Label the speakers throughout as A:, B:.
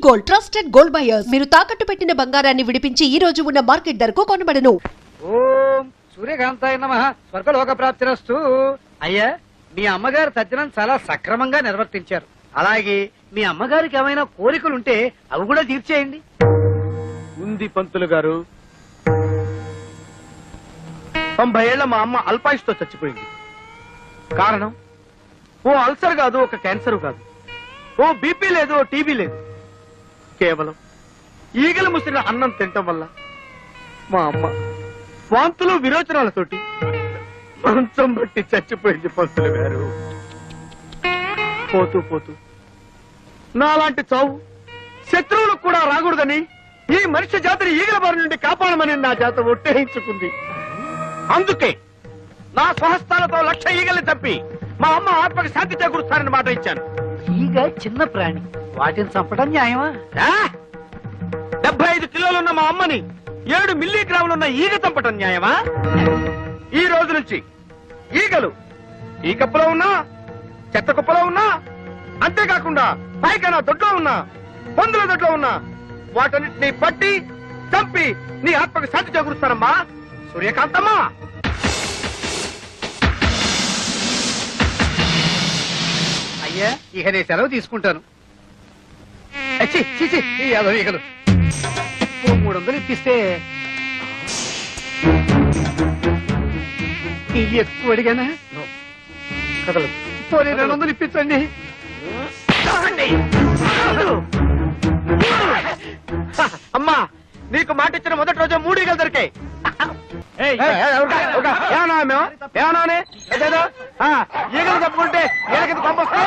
A: Gold trusted gold buyers మీరు తాకట్టు పెట్టిన బంగారాన్ని విడిపించి ఈ రోజు ఉన్న మార్కెట్ ధరకు కొనబడను.
B: ఓం సూర్యకాంతాయ నమః స్వర్గలోక ప్రాప్తిరస్తు. అయ్యా, మీ అమ్మగారు తద్దినం చాలా సక్రమంగా నిర్వర్తించారు. అలాగే మీ అమ్మగారికి ఏమైనా కోరికలుంటే అవి కూడా తీర్చేయండి.
C: ఉంది పంతులు గారు. 90 ఏళ్ల మా అమ్మ అల్పాయుష్తో చచ్చిపోయింది. కారణం ఓ అల్సర్ కాదు, ఒక క్యాన్సర్ కాదు, ఓ బీపీ లేదు, ఓ టీబీ లేదు. కేవలం ఈగలు ముసిరిన అన్నం తినటం వల్ల మా అమ్మ వాంతులు విరోచనాలతోటి మంచం బట్టి చచ్చిపోయింది పంతులు గారు. పోతూ పోతూ నాలాంటి చావు శత్రువులకు కూడా రాకూడదని ఈ మనిషి జాతిని ఈగల బారి నుండి కాపాడమని నా జాత ఒట్టేయించుకుంది. అందుకే నా స్వహస్తాలతో 1,00,000 ఈగల్ని తప్పి మా అమ్మ ఆత్మకి శాంతి చేకూరుస్తానని మాట ఇచ్చాను.
B: ఈగ చిన్న ప్రాణి, వాటిని చంపడం న్యాయమా?
C: 75 కిలోలున్న మా అమ్మని 7 మిల్లీగ్రాములున్న ఈగ చంపటం న్యాయమా? ఈ రోజు నుంచి ఈగలు ఈ కప్పులో ఉన్నా, చెత్త కుప్పలో ఉన్నా, అంతేకాకుండా పైకైనా దొడ్లో ఉన్నా, పందుల దొడ్లో ఉన్నా వాటన్నిటిని పట్టి చంపి నీ ఆత్మకి శాంతి చేకూరుస్తానమ్మా సూర్యకాంతమ్మా.
B: అయ్యా, ఇక నేను సెలవు తీసుకుంటాను. ఈగలు 300 ఇప్పిస్తే ఇవి ఎక్కువ అడిగానా?
C: కదలదు.
B: పోనీ 200 ఇప్పించండి.
C: అమ్మా, నీకు మాట ఇచ్చిన మొదటి రోజు 3 ఈగలు దొరికాయి. ఈగలు తప్పుకుంటే ఈగలకి పంపొస్తే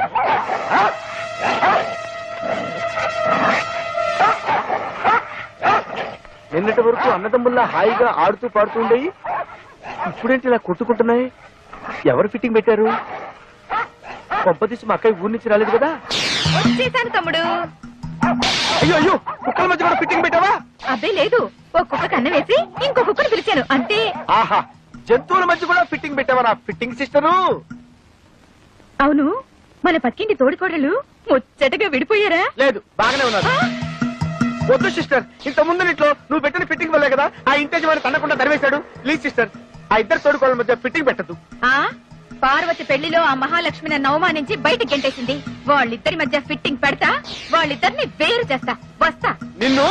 C: నిన్నటి వరకు అన్నదమ్ముల్లా హాయిగా ఆడుతూ పాడుతూ ఉండేవి, ఇప్పుడేంటి ఇలా కొట్టుకుంటున్నాయి? ఎవరు ఫిట్టింగ్ పెట్టారు? కొంపదీసి మా అక్కయ్య ఊరి నుంచి రాలేదు కదా?
D: వచ్చేసాను తమ్ముడు.
C: అయ్యో అయ్యో, కుక్కల మధ్య కూడా ఫిట్టింగ్ పెట్టావా?
D: అబ్బే లేదు, ఒక కుక్క కన్ను వేసి ఇంకో కుక్కను పిలిచాను అంతే.
C: ఆహా, జంతువుల మధ్య కూడా ఫిట్టింగ్ పెట్టావా నా ఫిట్టింగ్ సిస్టరు?
D: అవును, మన పక్కింటి తోడికోడలు ముచ్చటగా విడిపోయారా?
C: లేదు, బాగానే ఉన్నారు. వద్దు సిస్టర్, ఇంత ముందు ఇంట్లో నువ్వు పెట్టిన ఫిట్టింగ్ వల్లే కదా ఆ ఇంటి వాడిని తన్నకుండా తరివేశాడు. ప్లీజ్ సిస్టర్, ఆ ఇద్దరు తోడుకోళ్ళ మధ్య ఫిట్టింగ్ పెట్టద్దు.
D: ఆ పార్వతి పెళ్లిలో ఆ మహాలక్ష్మిని అవమానించి బయటికి గెంటేసింది. వాళ్ళిద్దరి మధ్య ఫిట్టింగ్ పెడతా, వాళ్ళిద్దరిని వేరు చేస్తా. వస్తా.
C: నిన్ను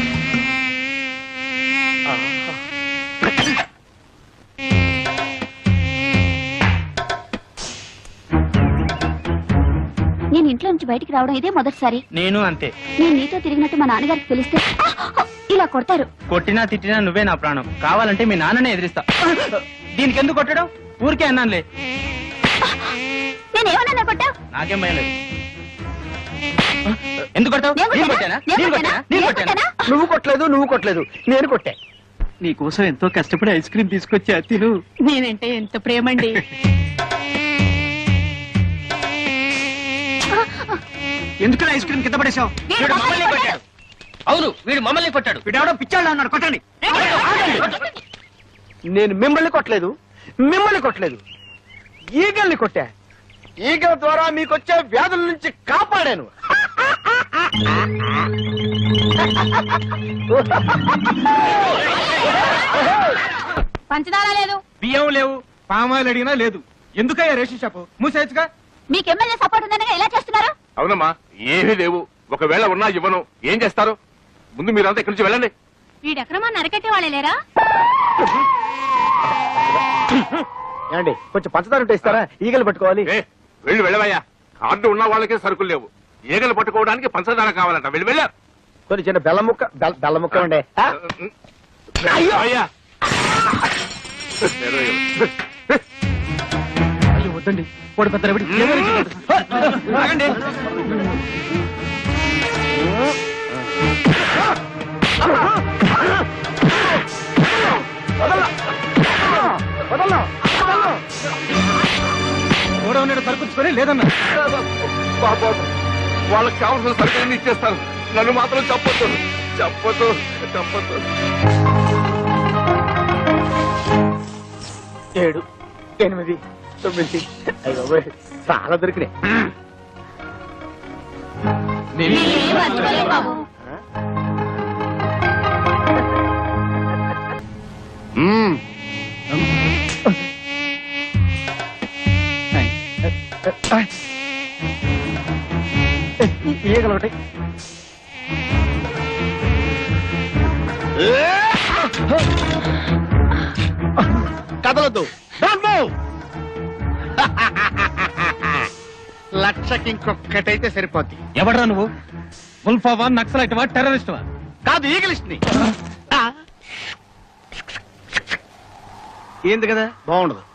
E: నేను ఇంట్లో నుంచి బయటికి రావడం ఇదే మొదటిసారి.
F: నేను అంతే.
E: నేను నీతో తిరిగినట్టు మా నాన్నగారికి తెలిస్తే ఇలా కొడతారు.
F: కొట్టినా తిట్టినా నువ్వే నా ప్రాణం. కావాలంటే మీ నాన్ననే ఎదిరిస్తా. దీనికి ఎందుకు కొట్టడం? ఊరికే అన్నానులే.
E: నేనేమన్నా కొట్టావు?
F: నాకేం భయం లేదు. ఎందుకు కొట్టావు?
C: నువ్వు కొట్టలేదు, నువ్వు కొట్టలేదు, నేను కొట్టా.
B: నీకోసం ఎంతో కష్టపడి ఐస్ క్రీమ్ తీసుకొచ్చా, తిను.
D: నేనంటే ఎంత ప్రేమండి.
B: ఎందుకు ఐస్ క్రీమ్ కింద పడేశావు?
F: వీడు మమ్మల్ని కొట్టాడు. అవును, వీడు మమ్మల్ని కొట్టాడు.
B: వీడెవడో పిచ్చాడు అన్నాడు, కొట్టండి.
C: నేను మిమ్మల్ని కొట్టలేదు, మిమ్మల్ని కొట్టలేదు, ఈగల్ని కొట్టా. ఈగల ద్వారా మీకొచ్చే వ్యాధుల నుంచి కాపాడాను.
E: పంచదార లేదు,
F: బియ్యం లేవు, పామాయిల్ అడిగినా లేదు. ఎందుకయ్యా రేషన్ షాపు మూసేయచ్చుగా?
E: మీకు ఎమ్మెల్యే సపోర్ట్ ఉందనగా ఎలా చేస్తున్నారు?
G: అవునమ్మా, ఏమీ లేవు. ఒకవేళ ఉన్నా ఇవ్వను. ఏం చేస్తారు? ముందు మీరంతా ఇక్కడి నుంచి వెళ్ళండి.
E: వీడెక్రమాన్ని అరకట్టే వాళ్ళే లేరా?
C: ఏమండి, కొంచెం పంచదార ఉంటే ఇస్తారా? ఈగలు పట్టుకోవాలి.
G: వెళ్ళవయ్యా. కార్డు ఉన్న వాళ్ళకే సరుకులు లేవు. ఈగలు పట్టుకోవడానికి పంచదార కావాలంట. వెళ్ళారు.
C: కొన్ని చిన్న బెల్ల ముక్క ఉండే.
G: అయ్యా
B: వద్దండి, వాడు పెద్ద రవిడి.
F: ఆగండి.
B: గోడౌన్ సరుకుచ్చుకొని లేదన్నా.
G: వాళ్ళకి కావాల్సిన సరుకులన్నీ ఇచ్చేస్తాను. నన్ను మాత్రం చెప్పొద్దు, చెప్పొద్దు, చెప్పొద్దు.
C: 7, 8, 9 చాలా దొరికినాయి.
B: ఈగలు ఒకటి.
C: కదలొద్దు. Don't move. లక్షకి ఇంకొక్కటైతే సరిపోద్ది.
F: ఎవడ్రా నువ్వు? ఉల్ఫావా, నక్సలైట్వా, టెర్రరిస్ట్వా?
C: కాదు, ఈగలిస్ట్ ని. ఏంది కదా, బాగుండదు.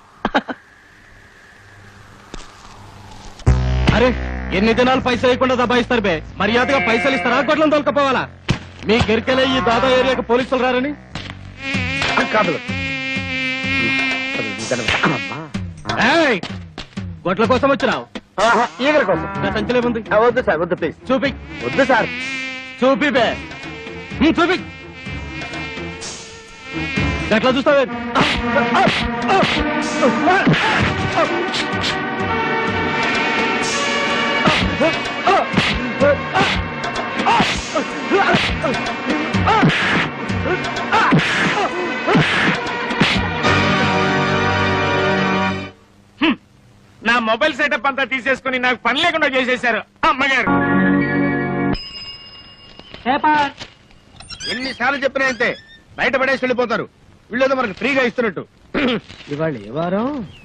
F: అరే ఎన్ని దినాలు పైసలు ఇవ్వకుండా దబాయిస్తారు బే. మర్యాదగా పైసలు ఇస్తారా, గొడ్లను తోలుకపోవాలా? మీ గరికెలే ఈ దాదా ఏరియాకి పోలీసులు రారని.
C: కాదు,
F: ఏయ్, గొడ్ల కోసం వచ్చినావు?
C: ఈగల కోసం.
F: నా సంచిలో ఉంది.
C: వద్దు సార్, వద్దు ప్లీజ్.
F: చూపి.
C: వద్దు సార్.
F: చూపి బే. చూపి. ఎట్లా చూస్తావే?
C: నా మొబైల్ సెటప్ అంతా తీసేసుకుని నాకు పని లేకుండా చేసేశారు అమ్మగారు. ఎన్నిసార్లు చెప్పినా అంతే, బయట పడేసి వెళ్ళిపోతారు. వీళ్ళేదో మనకు ఫ్రీగా ఇస్తున్నట్టు.
F: ఇవాళ ఏ వారం?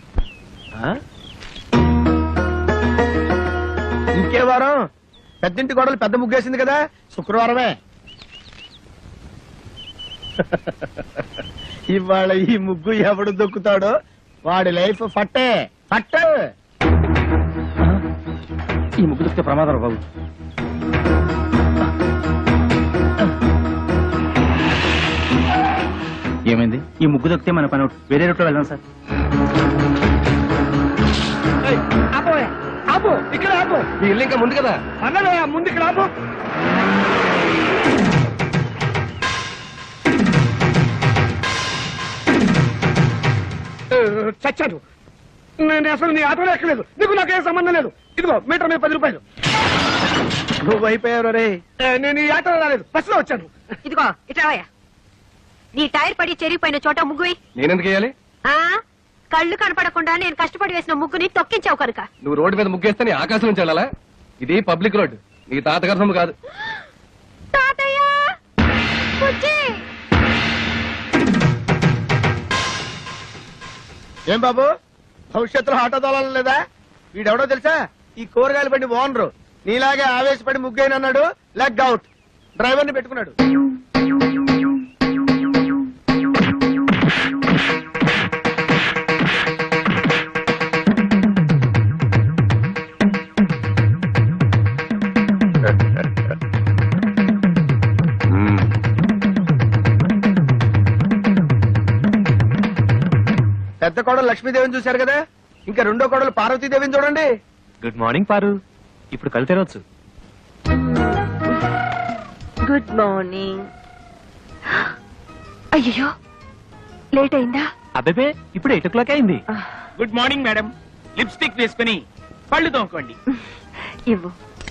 C: ఇంకే వారం? పెద్దింటి గోడలు పెద్ద ముగ్గేసింది కదా, శుక్రవారమే. ఇవాళ ఈ ముగ్గు ఎవడు దొక్కుతాడో వాడి లైఫ్ ఫట్టే ఫట్టే.
F: ఈ ముగ్గు దొరికితే ప్రమాదం బాబు. ఏమైంది? ఈ ముగ్గు దొరికితే మన పని అవుట్. వేరే రూట్లో వెళ్దాం సార్.
C: ఆపు, ఇక్కడ ఆపు.
F: ఈ ఇల్లు ఇంకా ముందు కదా.
C: అన్నదే ముందు ఇక్కడ ఆపు. చచ్చాడు. నేను అసలు నీ ఆటోలో ఎక్కలేదు. నీకు నాకేం సంబంధం లేదు. ఇదిగో మీటర్ మీద 10 రూపాయలు. నువ్వు అయిపోయావు రే. నేను ఈ ఆటోలో రాలేదు, బస్సులో వచ్చాను.
D: ఇదిగో ఇట్రావయ్యా. నీ టైర్ పడి చెరిగిపోయిన చోట ముగ్గు వేయ్.
F: నేనెందుకు వేయాలి?
D: కళ్ళు కనపడకుండా నేను కష్టపడి వేసిన ముగ్గుని తొక్కించావు కనుక.
F: నువ్వు రోడ్డు మీద ముగ్గేస్తే నీ ఆకాశం నుంచి వెళ్ళాలా? ఇది పబ్లిక్ రోడ్, నీ తాతగారి సొమ్ము కాదు.
D: తాతయ్య బుజ్జి.
C: ఏం బాబు, భవిష్యత్తులో ఆటో తోలాలి లేదా? వీడెవడో తెలుసా? ఈ కూరగాయలు బండి ఓనరు. నీలాగే ఆవేశపడి ముగ్గైనన్నాడు, లెగ్ అవుట్. డ్రైవర్ ని పెట్టుకున్నాడు. పెద్ద కోడలు లక్ష్మీదేవిని చూశారు కదా, ఇంకా రెండో కోడలు పార్వతీదేవిని చూడండి.
F: Good morning Paru. ఇప్పుడు కళ్ళు తెరవచ్చు.
D: Good morning. అయ్యో లేట్ అయిందా?
F: అబ్బే ఇప్పుడు 8 o'clock అయింది.
C: Good morning madam. లిప్స్టిక్ వేసుకుని పళ్ళు తోముకోండి.
D: ఇవ్వు.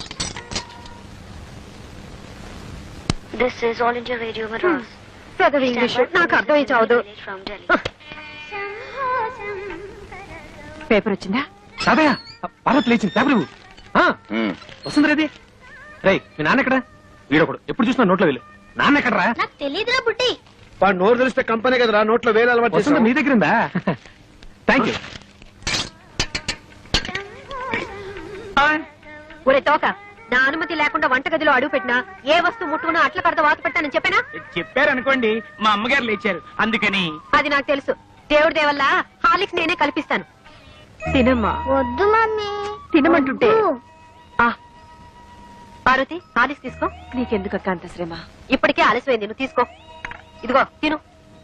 E: This is All India Radio Madras.
D: పెదవి ఇంగ్లీష్ నాకు అర్థమై చావదు.
E: From Delhi.
D: పేపర్ వచ్చిందా?
F: తాతయ్య, పార్వతి లేచింది. పేపర్ ఇవ్వు. వస్తుంది రేది. రే, మీ నాన్న ఎక్కడ? వీడొకడు ఎప్పుడు చూసినా నోట్లో వెళ్ళు. నాన్న ఎక్కడరా?
E: నాకు తెలీదురా బుట్టి.
C: వాడు నోరు తెలిస్తే కంపెనీ కదరా, నోట్లో వేలు అలవాటు
F: వస్తుంది
C: చేస్తాం.
F: మీ దగ్గర ఉందా? Thank you.
D: ఒరే తోక, నా అనుమతి లేకుండా వంటగదిలో అడుగు పెట్టినా ఏ వస్తువు ముట్టుకున్నా అట్ల కడత వాత పెట్టానని చెప్పానా?
C: చెప్పారనుకోండి, మా అమ్మగారు లేచారు అందుకని.
D: అది నాకు తెలుసు. దేవుడి దేవల్ల హాలిక్స్ నేనే కల్పిస్తాను. తినమ్మా.
E: వద్దు మమ్మీ.
D: తినమంటుంటే.
E: వద్దు.
D: పార్వతి, హాలిక్స్ తీసుకో. నీకెందుకక్క అంత శ్రమ? ఇప్పటికే ఆలస్యమైంది, నువ్వు తీసుకో. ఇదిగో తిను.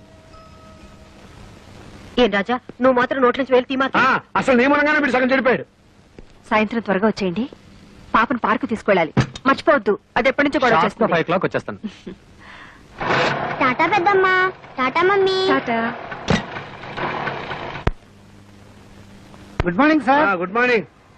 D: ఏం రాజా, నువ్వు మాత్రం నోట్ల నుంచి వేలు తీమా.
C: అసలు నియమనంగానే మీరు సగం చెడిపోయాడు.
D: సాయంత్రం త్వరగా వచ్చేయండి. పాపను పార్కు తీసుకెళ్ళాలి, మర్చిపోవద్దు. అది ఎప్పటి నుంచో గొడవ చేస్తుంది.
F: 5 o'clock వచ్చేస్తాను.
E: టాటా పెద్దమ్మా. Tata mummy.
D: Tata.
B: Good morning sir.
C: Good morning.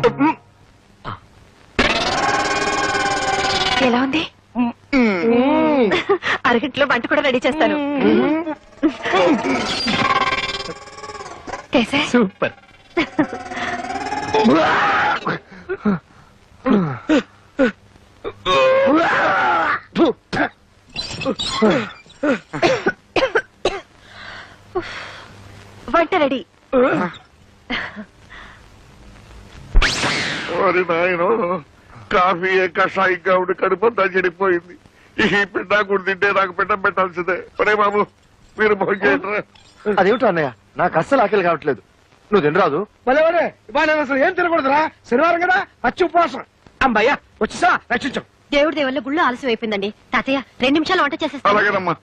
D: ఎలా ఉంది? అరగంటలో వంట కూడా రెడీ చేస్తాను.
F: సూపర్.
D: వంట రెడీ.
G: కాఫీ కషాయంగా ఉండి కడుపంతా చెడిపోయింది. ఈ పిండా కూడా తింటే నాకు పిండం పెట్టాల్సిందే. ఒరే బాబు మీరు భోజనం.
C: అదేమిటో అన్నయ్య, నాకు అస్సలు ఆకలి కావట్లేదు. నువ్వు తినరాదు?
B: భలే ఇవాళ నేను అసలు ఏం తినకూడదురా, శనివారం కదా, పచ్చి ఉపవాసం. అమ్మయ్యా వచ్చేసా, రక్షించు.
D: దేవుడి దేవల్ల గుళ్ళు ఆలస్యం అయిపోయిందండి. తాతయ్య 2 నిమిషాలు వంట చేసేస్తా.
G: అలాగేనమ్మా.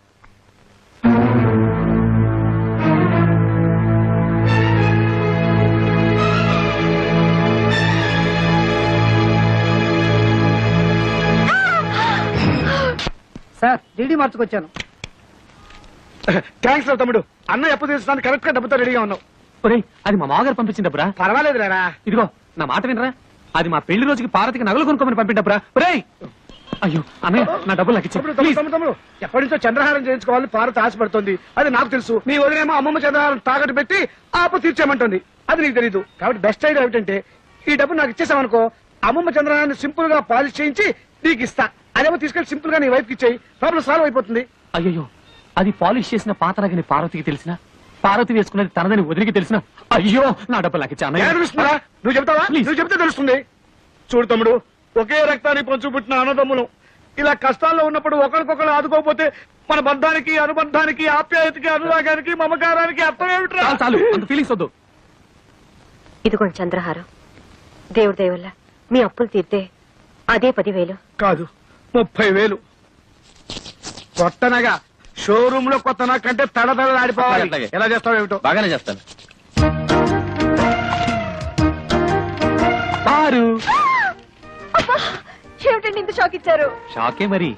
B: Sir DD మార్చుకొచ్చాను. థ్యాంక్స్ రా తమ్ముడు, అన్న ఎప్పుడు తీసుకోవడానికి కరెక్ట్ గా డబ్బుతో రెడీగా ఉన్నావు.
F: ఒరేయ్, అది మా మామగారు పంపించిన డబ్బురా.
B: పర్వాలేదు రా.
F: ఇదిగో నా మాట వినరా, అది మా పెళ్లి రోజుకి పార్వతికి నగలు కొనుక్కోమని పంపిండప్పురా. ఒరేయ్, అయ్యో అన్నయ్య, నా డబ్బులు నాకు ఇచ్చే.
B: తమ్ముడు ఎప్పటి నుంచో చంద్రహారం చేయించుకోవాలని పార్వతి ఆశపడుతుంది. అది నాకు తెలుసు. నీ వదిలేమో అమ్మమ్మ చంద్రహారం తాకట్టు పెట్టి ఆపు తీర్చేయమంటుంది. అది నీకు తెలీదు. కాబట్టి బెస్ట్ ఐడియా ఏమిటంటే, ఈ డబ్బు నాకు ఇచ్చేసామనుకో, అమ్మమ్మ చంద్రహారాన్ని సింపుల్ గా పాలిష్ చేయించి నీకు ఇస్తా. అదేమో తీసుకెళ్లి సింపుల్ గా నీ వైఫ్ కి ఇచ్చేయి, ప్రాబ్లం సాల్వ్ అయిపోతుంది.
F: అయ్యో, అది పాలిష్ చేసిన పాతరగని పార్వతికి తెలిసిన, పార్వతి వేసుకున్నది తనదని వదిలికి తెలిసిన, అయ్యో నా డబ్బులు నాకు ఇచ్చా.
B: తెలుస్తుందా? నువ్వు చెప్తావా? నువ్వు చెప్తే తెలుస్తుంది. చూడు తమ్ముడు, ఒకే రక్తాన్ని పంచు పుట్టిన అన్నదమ్ములు ఇలా కష్టాల్లో ఉన్నప్పుడు ఒకరికొకరు ఆదుకోకపోతే మన బంధానికి, అనుబంధానికి, ఆప్యాయతకి, అనురాగానికి, మమకారానికి అర్థం ఏమిట్రా?
F: చాలు అంత ఫీలింగ్స్ వద్దు.
D: ఇదిగోండి చంద్రహారం. దేవుడి దేవల్ల మీ అప్పులు తీర్తే అదే 10,000.
B: కాదు, 30,000. కొత్తనగా షోరూమ్ లో కొత్త కంటే తడతడలాడిపోవాలి.
C: అలాగే.
B: ఎలా చేస్తావు ఏమిటో.
C: బాగానే చేస్తాను.
F: పారు
D: ఏమిటండి ఇంత షాక్ ఇచ్చారు?
F: షాకే మరి.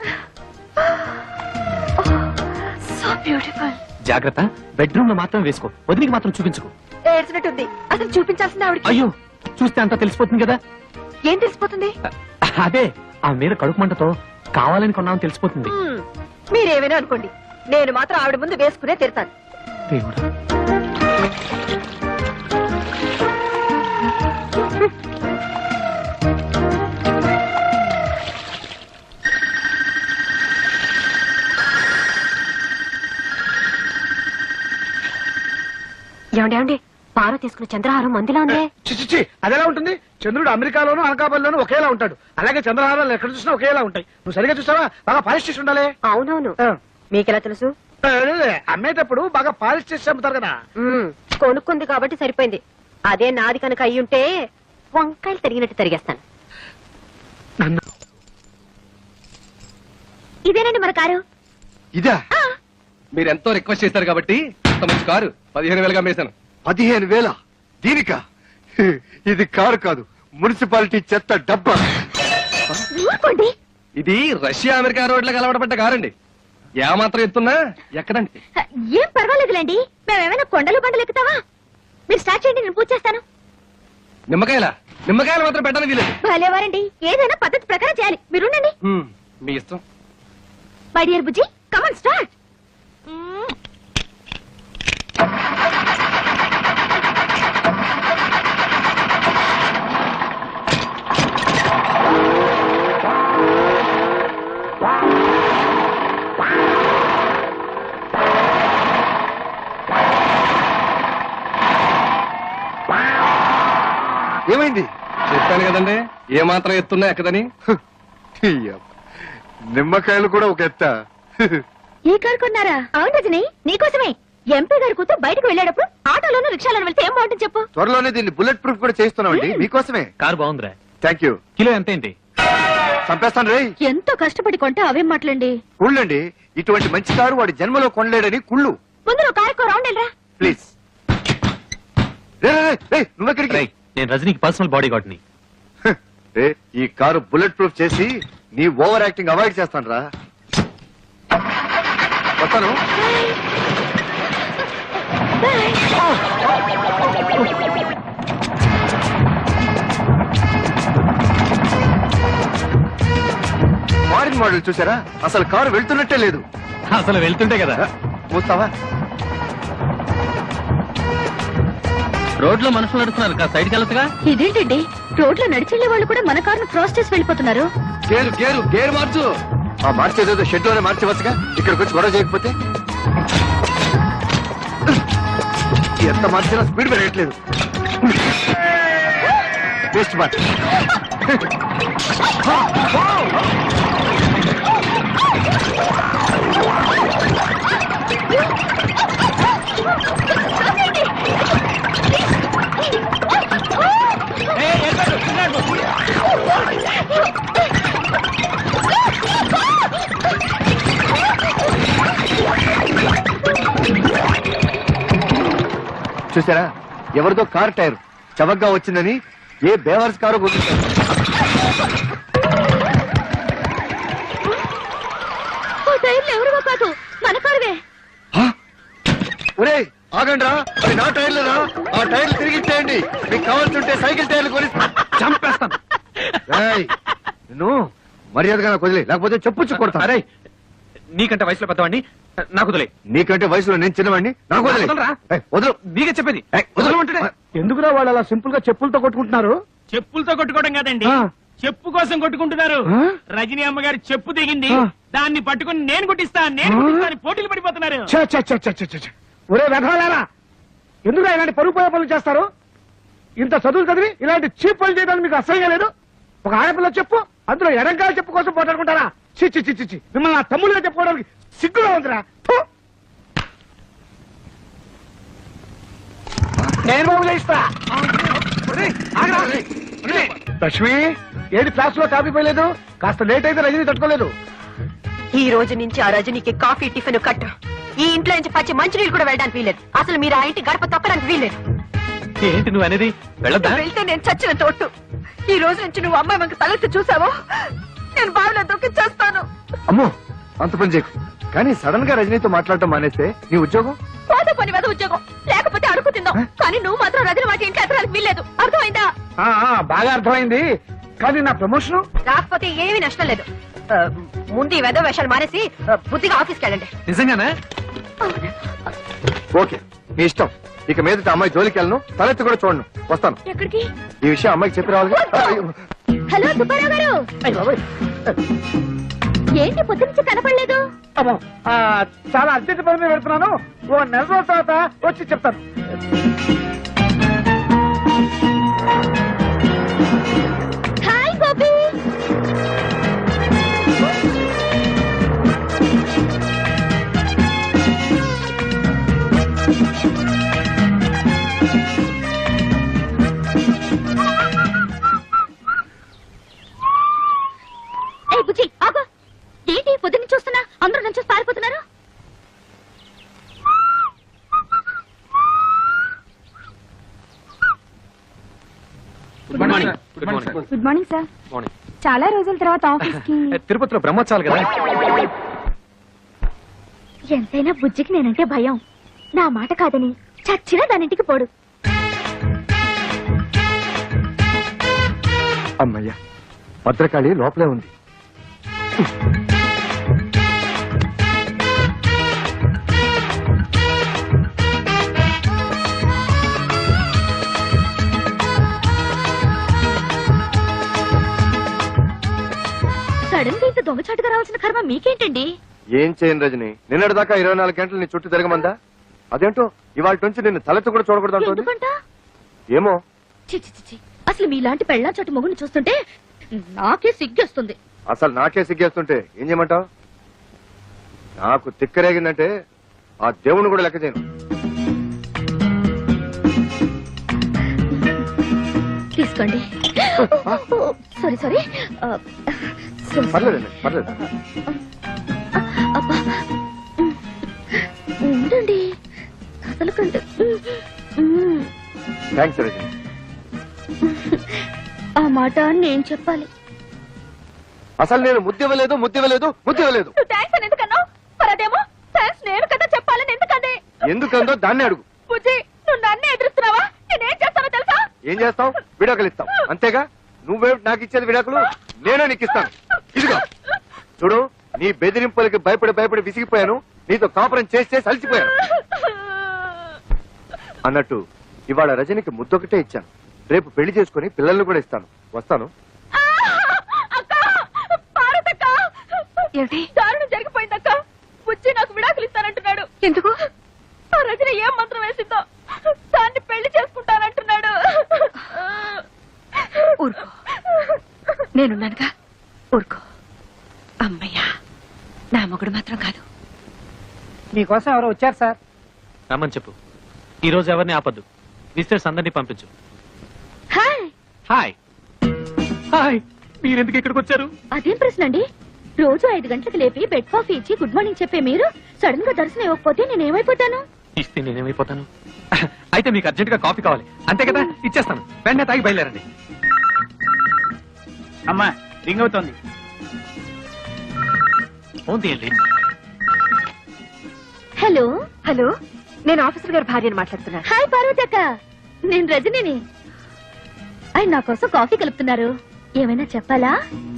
D: So beautiful.
F: జాగ్రత్త, బెడ్రూమ్ లో మాత్రం వేసుకో, వదిలికి మాత్రం చూపించుకో.
D: ఏడ్చినట్టుంది. అసలు చూపించాల్సింది ఆవిడకి.
F: అయ్యో, చూస్తే అంతా తెలిసిపోతుంది కదా.
D: ఏం తెలిసిపోతుంది?
F: అదే, ఆ మీద కడుపు మంటతో కావాలని కొన్నామని తెలిసిపోతుంది.
D: మీరేమైనా అనుకోండి, నేను మాత్రం ఆవిడ ముందు వేసుకునే తిడతాను.
F: దేవుడా,
D: ఏమండి పార తీసుకున్న చంద్రహారం మందిలా ఉందే.
B: చిచ్చి, అదెలా ఉంటుంది? చంద్రుడు అమెరికాలోను అనకాపల్లిలోను ఒకేలా ఉంటాడు. అలాగే చంద్రహారాలు ఎక్కడ చూసినా ఒకేలా ఉంటాయి. నువ్వు సరిగా చూసావా? బాగా పాలిష్ చేసి ఉండాలి.
D: అవునవును. మీకెలా తెలుసు?
B: అమ్మేటప్పుడు బాగా పాలిష్ చేసి అమ్ముతారు కదా.
D: కొనుక్కుంది కాబట్టి సరిపోయింది. అదే నాది కనుక అయ్యుంటే వంకాయలు తరిగినట్టు తరిగేస్తాను.
E: ఇదేనండి మన కారు.
C: ఇదా?
H: మీరు ఎంతో రిక్వెస్ట్ చేశారు కాబట్టి అంత మంచి కారు 15,000గా అమ్మేశాను.
C: 15,000? దీనికా? ఇది కారు కాదు, మున్సిపాలిటీ చెత్త డబ్బా.
E: ఊరుకోండి.
H: ఇది రష్యా అమెరికా రోడ్లకు అలవాటుపడ్డ కారండి. ఏమాత్రం ఎత్తున్నా ఎక్కడండి.
E: ఏం పర్వాలేదులేండి. మేమేమైనా కొండలు బండలు ఎక్కుతావా? మీరు స్టార్ట్ చేయండి, నేను పూజ చేస్తాను.
H: నిమ్మకాయలు మాత్రం పెట్టడానికి వీలేదు.
E: భలేవారండి, ఏదైనా పద్ధతి ప్రకారం చేయాలి. మీరుండండి.
H: మీ ఇష్టం.
E: My dear Bujji, come on start.
C: ఏమైంది?
H: చెప్పాను కదండి, ఏమాత్రం ఎత్తున్నా ఎక్కదని.
C: నిమ్మకాయలు కూడా ఒక ఎత్త.
E: ఈ కారు కొన్నారా? అవును రజని, నీకోసమే. ఎంపీ గారి కూతురు బయటకు వెళ్ళేటప్పుడు ఆటోలోనూ రిక్షాలోనూ వెళ్తే ఏం బాగుంటుంది చెప్పు.
C: త్వరలోనే దీన్ని బుల్లెట్ ప్రూఫ్ కూడా చేస్తున్నామండి, మీకోసమే.
F: కారు బాగుందిరా.
C: Thank you.
F: కిలో ఎంత ఏంటి?
C: చంపేస్తాను రే.
E: ఎంతో కష్టపడి కొంటే అవేం మాట్లాడండి.
C: కుళ్ళండి, ఇటువంటి మంచి కారు వాడి జన్మలో కొనలేడని కుళ్ళు.
E: ముందు నువ్వు కారుకో రౌండ్ వెళ్ళరా.
C: ప్లీజ్. నువ్వెక్కడికి?
F: రేయ్, నేను రజనీకి పర్సనల్ బాడీ గార్డ్ ని.
C: ఈ కారు బుల్లెట్ ప్రూఫ్ చేసి నీ ఓవర్ యాక్టింగ్ అవాయిడ్ చేస్తాను రా. వస్తాను. ఫారిన్ మోడల్ చూసారా? అసలు కారు వెళ్తున్నట్టే లేదు.
F: అసలు వెళ్తుంటే కదా.
C: మూస్తావా?
F: రోడ్లో మనుషులు నడుస్తున్నారు, కాస్త సైడ్కి వెళ్ళొచ్చుగా.
E: ఇదేంటండి, రోడ్లో నడిచెళ్లే వాళ్ళు కూడా మన కారును క్రాస్ చేసి వెళ్ళిపోతున్నారు.
H: గేరు మార్చు.
C: మార్చేదేదో షెడ్ లోనే మార్చవచ్చుగా, ఇక్కడికి వచ్చి గొడవ చేయకపోతే. ఎంత మార్చినా స్పీడ్ పెరగట్లేదు. Best March. చూసారా, ఎవరిదో కార్ టైర్ చవకగా వచ్చిందని ఏ బేవర్స్ కారు గుర్తించారు.
E: ఎవరివో కాదు, మన కారువే.
C: ఒరే ఆగండ్రా, అది నా టైర్లరా. ఆ టైర్లు తిరిగి ఇచ్చేయండి. మీకు కావాల్సింటే సైకిల్ టైర్లు కొని
F: చంపేస్తాను.
C: నువ్వు మర్యాదగా నాకు వదిలే, లేకపోతే చెప్పుచ్చు కొడతా.
F: అరే, నీకంటే వయసులో పెద్దవాడిని, నాకు వదిలే.
C: నీకంటే వయసులో నేను చిన్నవాడిని, నాకు వదిలే. వదలు.
F: నీకే చెప్పేది.
C: వదలమంటే
B: ఎందుకురా వాళ్ళు అలా సింపుల్ గా చెప్పులతో కొట్టుకుంటున్నారు?
I: చెప్పులతో కొట్టుకోవడం కాదండి, చెప్పు కోసం కొట్టుకుంటున్నారు. రజనీ అమ్మగారు చెప్పు దిగింది, దాన్ని పట్టుకుని నేను కొట్టిస్తా పోటీలు పడిపోతున్నారు.
B: ఒరే వెధవలారా, ఎందుకు ఇలాంటి పరుగు పోయే పనులు చేస్తారు? ఇంత చదువులు చదివి ఇలాంటి చీప్ పనులు చేయడానికి మీకు అసహ్యంగా లేదు? ఒక ఆడపిల్ల చెప్పు, అందులో ఎడంకాల చెప్పు కోసం పోటాడుకుంటారా? చిచ్చి చిచ్చి చి మిమ్మల్ని నా తమ్ముళ్ళగా చెప్పుకోవడానికి సిగ్గుగా ఉందిరా. నేను బాబుగా ఇస్తా. లక్ష్మి, ఏది క్లాస్ లో కాపీ పోయలేదు? కాస్త లేట్ అయితే రజనీ తట్టుకోలేదు.
A: ఈ రోజు నుంచి ఆ రజనీకి కాఫీ టిఫిన్ కట్ట. ఈ ఇంట్లో నుంచి పచ్చి మంచినీళ్ళు కూడా వెళ్ళడానికి వీలేదు. అసలు మీరు ఆ ఇంటి గడప తొక్కడానికి వీలేదు.
F: ఏంటి నువ్వు అనేది? వెళ్ళొద్దా?
A: వెళ్తే నేను చచ్చిన తోటు. ఈ రోజు నుంచి నువ్వు అమ్మాయి మనకు తలెత్తి చూసావో నేను బావిలో దొక్కి చేస్తాను.
C: అమ్మో, అంత పని చేయకు. కానీ సడన్ గా రజనీతో మాట్లాడటం మానేస్తే నీ ఉద్యోగం
E: పోతే పని మీద ఉద్యోగం, లేకపోతే అడుగు తిందాం. కానీ నువ్వు మాత్రం రజని మాట ఇంట్లో ఎత్తడానికి వీల్లేదు. అర్థమైందా?
B: బాగా అర్థమైంది. కానీ నా ప్రమోషన్
A: రాకపోతే ఏమీ నష్టం లేదు. ముందు ఈ వెధవ వేషాలు మానేసి బుద్ధిగా ఆఫీస్కి వెళ్ళండి.
F: నిజంగానా?
C: ఓకే, నీ ఇష్టం. ఇక మీదట అమ్మాయి జోలికి వెళ్ళను, తలెత్తి కూడా చూడను. వస్తాను.
E: ఎక్కడికి?
C: ఈ విషయం అమ్మాయికి చెప్పి రావాలి.
E: హలో సుబ్బారావు గారు, ఏంటి పొద్దు నుంచి కనపడలేదు?
B: చాలా అర్జెంట్ పని మీద పెడుతున్నాను. ఓ నెల రోజుల తర్వాత వచ్చి చెప్తాను.
E: హాయ్ గోపి. ఏ బుజ్జి ఆగు. ఏంటి పొద్దున్న చూస్తున్నా అందరూ నుంచి పారిపోతున్నారు?
F: Good morning. Good morning.
E: Good morning sir.
F: Morning.
E: చాలా రోజుల తర్వాత ఆఫీస్ కి.
F: తిరుపతిలో బ్రహ్మోత్సవాలు కదా.
E: ఎంతైనా బుజ్జికి నేనంటే భయం. నా మాట కాదని చచ్చినా దానింటికి పోడు.
C: అమ్మయ్య, భద్రకాళి లోపలే ఉంది.
E: సడన్ గా ఇంత దొంగచాటుగా రావాల్సిన కర్మ మీకేంటండి?
C: ఏం చేయను రజని, నిన్నటిదాకా 24 గంటలు నీ చుట్టూ తిరగమందా? అదేంటో ఇవాళ నుంచి నిన్ను తలెత్తు కూడా చూడకూడదు అంటుంది.
E: ఎందుకంట?
C: ఏమో.
E: చి అసలు మీలాంటి పెళ్ళా చోటు మొగుని చూస్తుంటే నాకే సిగ్గేస్తుంది.
C: అసలు నాకే సిగ్గేస్తుంటే ఏం చేయమంటావు? నాకు తిక్కరేగిందంటే ఆ దేవుని కూడా లెక్క చేయను.
E: తీసుకోండి. Sorry sorry.
C: పర్లేదండి, పర్లేదు.
E: అబ్బా ఉండండి, కదలకండి.
C: థ్యాంక్స్ రజని.
E: ఆ మాట నేను చెప్పాలి.
C: అసలు నేను ముద్దివ్వలేదు, ముద్దివ్వలేదు, ముద్దివ్వలేదు.
E: థ్యాంక్స్ అని ఎందుకన్నావు? మరి అదేమో థ్యాంక్స్ నేను కదా చెప్పాలని ఎందుకండి?
C: ఎందుకందో దాన్ని అడుగు.
E: బుజ్జి, నువ్వు నన్నే ఎదురుస్తున్నావా? నేనేం చేస్తానో తెలుసా?
C: ఏం చేస్తావు? విడాకులు ఇస్తావు అంతేగా. నువ్వే నాకు ఇచ్చేది విడాకులు, నేనే నీకు ఇస్తాను. ఇదిగో
J: చూడు, నీ బెదిరింపులకి భయపడి విసిగిపోయాను. నీతో కాపురం చేసి అలసిపోయాను. అన్నట్టు ఇవాళ రజనికి ముద్దొకటే ఇచ్చాను. రేపు పెళ్లి చేసుకుని పిల్లల్ని కూడా ఇస్తాను. వస్తాను.
D: ఏమిటి దారుణం జరిగిపోయిందక్క. వచ్చి నాకు విడాకులు ఇస్తానంటున్నాడు. ఎందుకు? ఆ రజని ఏం మంత్రం వేసిందో దాన్ని పెళ్లి చేసుకుంటానంటున్నాడు. ఊరుకో, నేనున్నానుగా, ఊరుకో. అమ్మయ్యా, నా మొగుడు మాత్రం కాదు.
B: మీకోసం ఎవరో వచ్చారు సార్.
F: రమ్మని చెప్పు. ఈ రోజు ఎవరిని ఆపద్దు. మిస్టర్స్ అందరినీ పంపించు.
E: హాయ్.
F: Hi hi. మీరెందుకు ఇక్కడికి వచ్చారు?
E: అదేం ప్రశ్న అండి? రోజు 5 గంటలకు లేపి బెడ్ కాఫీ ఇచ్చి గుడ్ మార్నింగ్ చెప్పే మీరు సడన్ గా దర్శనం ఇవ్వకపోతే నేనేమైపోతాను?
F: ఇస్తే నేనేమైపోతాను? అయితే మీకు అర్జెంట్ గా కాఫీ కావాలి అంతే కదా? ఇచ్చేస్తాను. వెంటనే తాగి బయలుదేరండి.
I: అమ్మా రింగ్ అవుతోంది.
F: ఫోన్ తీయండి.
E: హలో.
A: హలో, నేను ఆఫీసర్ గారి భార్యను మాట్లాడుతున్నాను.
E: హాయ్ పార్వతి అక్క, నేను రజనిని. ఆయన నా కోసం కాఫీ కలుపుతున్నారు. ఏమైనా చెప్పాలా?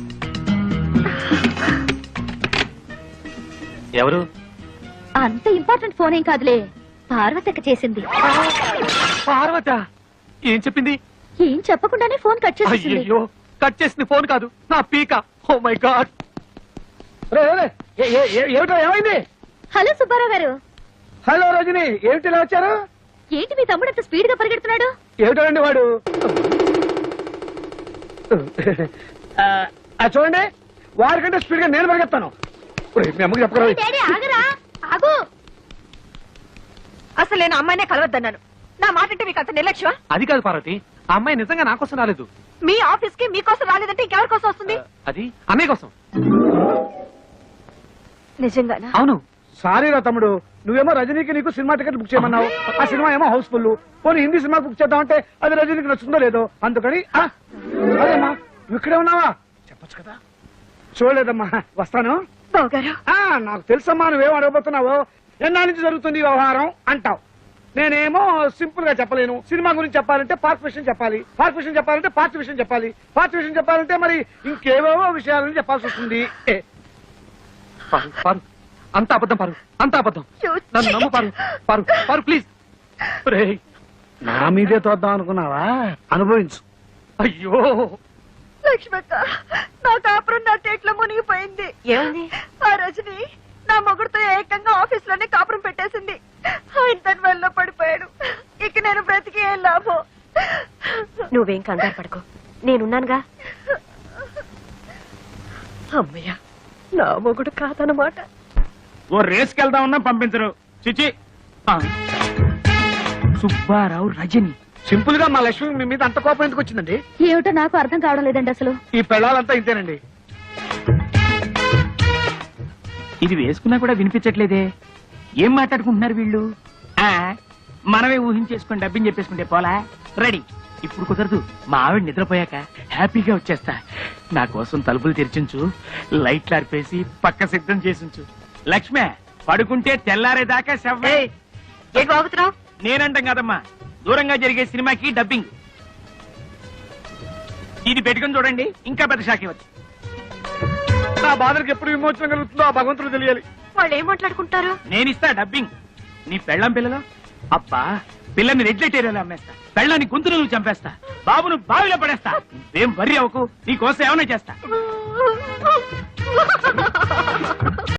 F: ఎవరు?
E: అంత ఇంపార్టెంట్ ఫోన్ ఏం కాదులే, పార్వతి అక్క చేసింది.
F: పార్వత ఏం చెప్పింది?
E: ఏం చెప్పకుండానే ఫోన్ కట్ చేసేసింది.
F: అయ్యో, కట్ చేసింది ఫోన్ కాదు, నా పీక. Oh my god.
B: ఏమిటో ఏమైంది?
E: హలో సుబ్బారావు గారు.
B: హలో రజని, ఏమిటి ఇలా వచ్చారు?
E: ఏంటి మీ తమ్ముడు అంత స్పీడ్ గా పరిగెడుతున్నాడు?
B: ఏమిటండి వాడు? చూడండి, వారికంటే స్పీడ్ గా నేను పరిగెత్తాను. మీ అమ్మకి చెప్పరా?
E: డాడీ ఆగరా, ఆగు.
A: అసలు నేను అమ్మాయినే కలవద్దన్నాను. నా మాట అంటే మీకు అంత నిర్లక్ష్యం?
F: అది కాదు పార్వతి, ఆ అమ్మాయి నిజంగా నా కోసం రాలేదు.
A: మీ ఆఫీస్ కి మీకోసం రాలేదంటే ఇంకెవరి కోసం వస్తుంది?
F: అది అన్నయ్య కోసం.
A: నిజంగానా?
F: అవును.
B: సారీ రా తమ్ముడు, నువ్వేమో రజనీకి నీకు సినిమా టికెట్ బుక్ చేయమన్నావు. ఆ సినిమా ఏమో హౌస్ఫుల్. పోనీ హిందీ సినిమా బుక్ చేద్దామంటే అది రజనీకి నచ్చుందో లేదో, అందుకని అదేమ్మా నువ్వు ఇక్కడే ఉన్నావా? చెప్పొచ్చు కదా. చూడలేదమ్మా, వస్తాను.
A: బావగారు,
B: నాకు తెలుసమ్మా నువ్వేం అడగబోతున్నావో. ఎన్నాళ్ళ నుంచి జరుగుతుంది ఈ వ్యవహారం అంటావు. నేనేమో సింపుల్ గా చెప్పలేను. సినిమా గురించి చెప్పాలంటే పార్క్ విషయం చెప్పాలి, పార్క్ విషయం చెప్పాలంటే పార్క్ విషయం చెప్పాలి, పార్క్ విషయం చెప్పాలంటే మరి ఇంకేవేవో విషయాలని చెప్పాల్సి వస్తుంది.
F: పారు, పారు, అంత అబద్ధం పారు, అంత అబద్ధం. నన్ను నమ్ము పారు, పారు, పారు ప్లీజ్.
B: నా మీదే తోద్దాం అనుకున్నావా? అనుభవించు.
F: అయ్యో
A: లక్ష్మక్క, నా కాపురం నా టేట్లో మునిగిపోయింది. ఏమైంది? ఆ రజని నా మొగుడుతో ఏకంగా ఆఫీస్ లోనే కాపురం పెట్టేసింది. ఆయన తన వల్ల పడిపోయాడు. ఇక నేను బ్రతికి ఏం లాభం? నువ్వేం కంగారు పడుకో, నేనున్నానుగా. అమ్మయ్య, నా మొగుడు కాదనమాట.
I: ఓ రేస్కి వెళ్దామన్నా పంపించరు. చిచి. సుబ్బారావు రజని.
B: సింపుల్ గా మా లక్ష్మి మీ మీద అంత కోపం ఎందుకు వచ్చిందండి?
E: ఏమిటో నాకు అర్థం కావడం లేదండి అసలు.
B: ఈ పెళ్ళాలంతా ఇంతేనండి.
I: ఇది వేసుకున్నా కూడా వినిపించట్లేదే. ఏం మాట్లాడుకుంటున్నారు వీళ్ళు? మనమే ఊహించేసుకుని డబ్బిని చెప్పేసుకుంటే పోలా. రెడీ. ఇప్పుడు కుదరదు. మా ఆవిడ నిద్రపోయాక హ్యాపీగా వచ్చేస్తా. నా కోసం తలుపులు తెరిచించు, లైట్లు ఆర్పేసి పక్క సిద్ధం చేసించు. లక్ష్మే, పడుకుంటే తెల్లారేదాకా శవ్వే.
A: ఏ బాగుతున్నావు?
I: నేనంటాం కదమ్మా, దూరంగా జరిగే సినిమాకి డబ్బింగ్. ఇది పెట్టుకుని చూడండి, ఇంకా పెద్ద షాక్ ఇవ్వచ్చు.
B: నా బాధలకు ఎప్పుడు విమోచన కలుగుతుందో ఆ భగవంతుడు తెలియాలి.
A: వాళ్ళు ఏం మాట్లాడుకుంటారు?
I: నేనిస్తా డబ్బింగ్. నీ పెళ్ళం పిల్లలు అబ్బా, పిల్లని రెడ్లెట్ ఏరియాలో అమ్మేస్తా, పెళ్ళాన్ని గొంతును నువ్వు చంపేస్తా, బాబును బావిలో పడేస్తా. ఏం వర్రీ అవ్వకు, నీ కోసం ఏమైనా చేస్తా.